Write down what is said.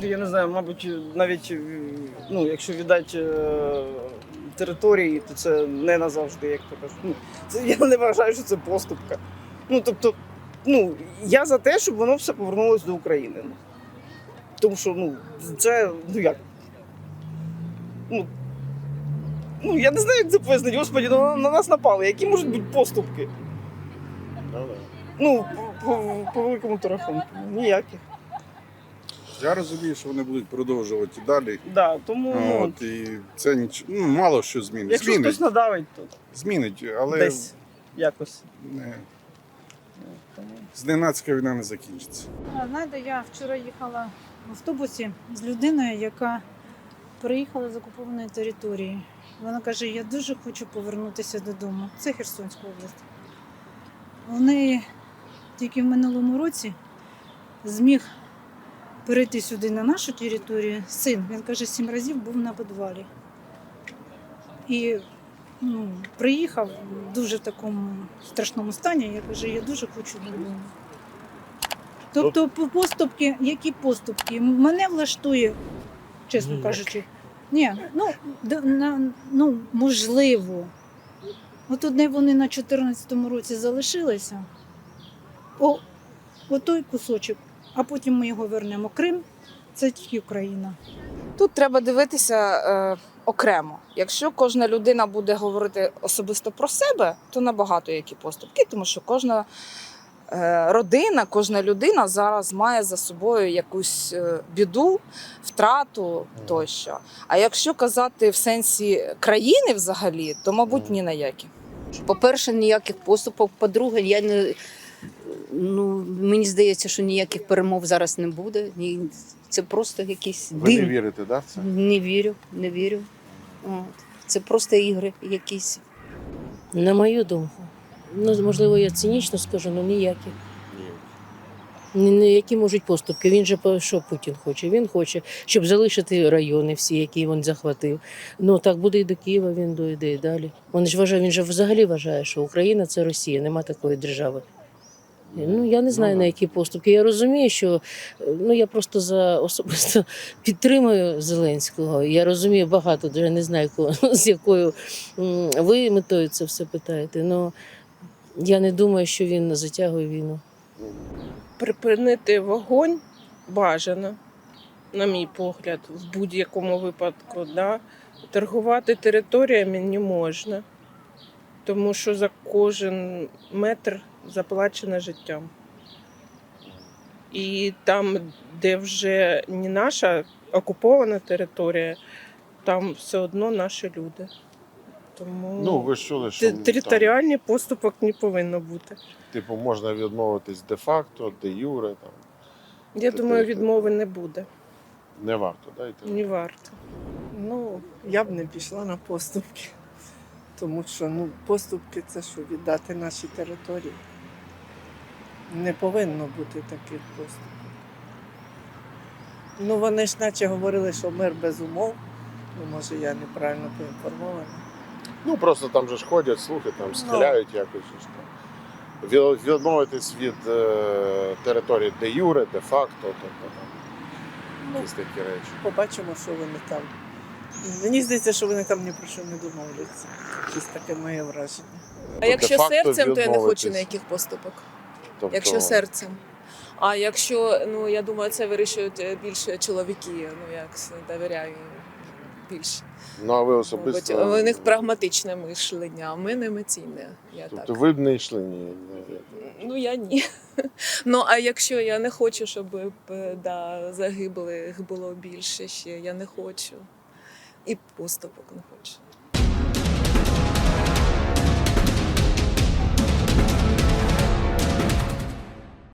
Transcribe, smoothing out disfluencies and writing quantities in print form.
я не знаю, мабуть, навіть ну, якщо віддати території, то це не назавжди, як то кажуть. Ну, це, я не вважаю, що це поступка. Ну, тобто, ну, я за те, щоб воно все повернулося до України. Ну, тому що, ну, це, ну як? Ну, я не знаю, як це пояснити. Господи, ну, на нас напали. Які можуть бути поступки? Ну, по великому то рахунку. Ніяких. Я розумію, що вони будуть продовжувати і далі. Да, тому, ну, От, і це мало що змінить. якщо хтось надавить, то Змінить, але десь якось. не, зненацька війна не закінчиться. Знаєте, я вчора їхала в автобусі з людиною, яка приїхала з окупованої території. Вона каже, я дуже хочу повернутися додому. Це Херсонська область. Вони тільки в минулому році зміг перейти сюди на нашу територію. Син, він каже, 7 разів був на підвалі. І приїхав в дуже такому страшному стані. Я кажу, я дуже хочу додому. Тобто поступки, які поступки? Мене влаштує, чесно кажучи. Ні, можливо. От одне вони на 14-му році залишилися. Отой кусочок, а потім ми його вернемо. Крим – це тільки Україна. Тут треба дивитися окремо. Якщо кожна людина буде говорити особисто про себе, то набагато які поступки, тому що кожна родина, кожна людина зараз має за собою якусь біду, втрату тощо. А якщо казати в сенсі країни взагалі, то, мабуть, ні на які. По-перше, ніяких поступок. По-друге, мені здається, що ніяких перемов зараз не буде. Це просто якісь Ви не дим. вірите, да, в це? Не вірю. От. Це просто ігри якісь. На мою думку. Можливо, я цинічно скажу, але ніякі. Які можуть поступки. Він же що Путін хоче? Він хоче, щоб залишити райони всі, які він захватив. Ну так буде і до Києва, він дойде і далі. Він же взагалі вважає, що Україна – це Росія, нема такої держави. Я не знаю, на які поступки. Я розумію, що я просто особисто підтримую Зеленського. Я розумію багато, я не знаю, з якою ви метою це все питаєте. Але я не думаю, що він затягує війну. Припинити вогонь бажано, на мій погляд, в будь-якому випадку. Да? Торгувати територіями не можна, тому що за кожен метр заплачено життям. І там, де вже не наша окупована територія, там все одно наші люди. Тому ви ж чули, що територіальний поступок не повинно бути. типу можна відмовитись де-факто, де-юре. Я думаю, відмови не буде. Не варто, да, йти? Не варто. Я б не пішла на поступки, тому що поступки – це що, віддати наші території. Не повинно бути таких поступок. Вони ж наче говорили, що мир без умов. Може, я неправильно поінформована. Просто там же ж ходять слухи, там стріляють якось. Відмовитись від території де-юре, де-факто, якісь такі речі. Побачимо, що вони там. Мені здається, що вони там ні про що не домовляться. Щось таке моє враження. А якщо де-факто серцем, то я не хочу відмовитись. ніяких поступок. Тобто, Якщо серцем. А якщо, я думаю, це вирішують більше чоловіки, я довіряю їм більше. а ви особисто... Мабуть, у них прагматичне мишлення, а в мене емоційне. Тобто ви б не йшли ні? Я ні. А якщо я не хочу, щоб загиблих було більше ще, я не хочу. І поступок не хочу.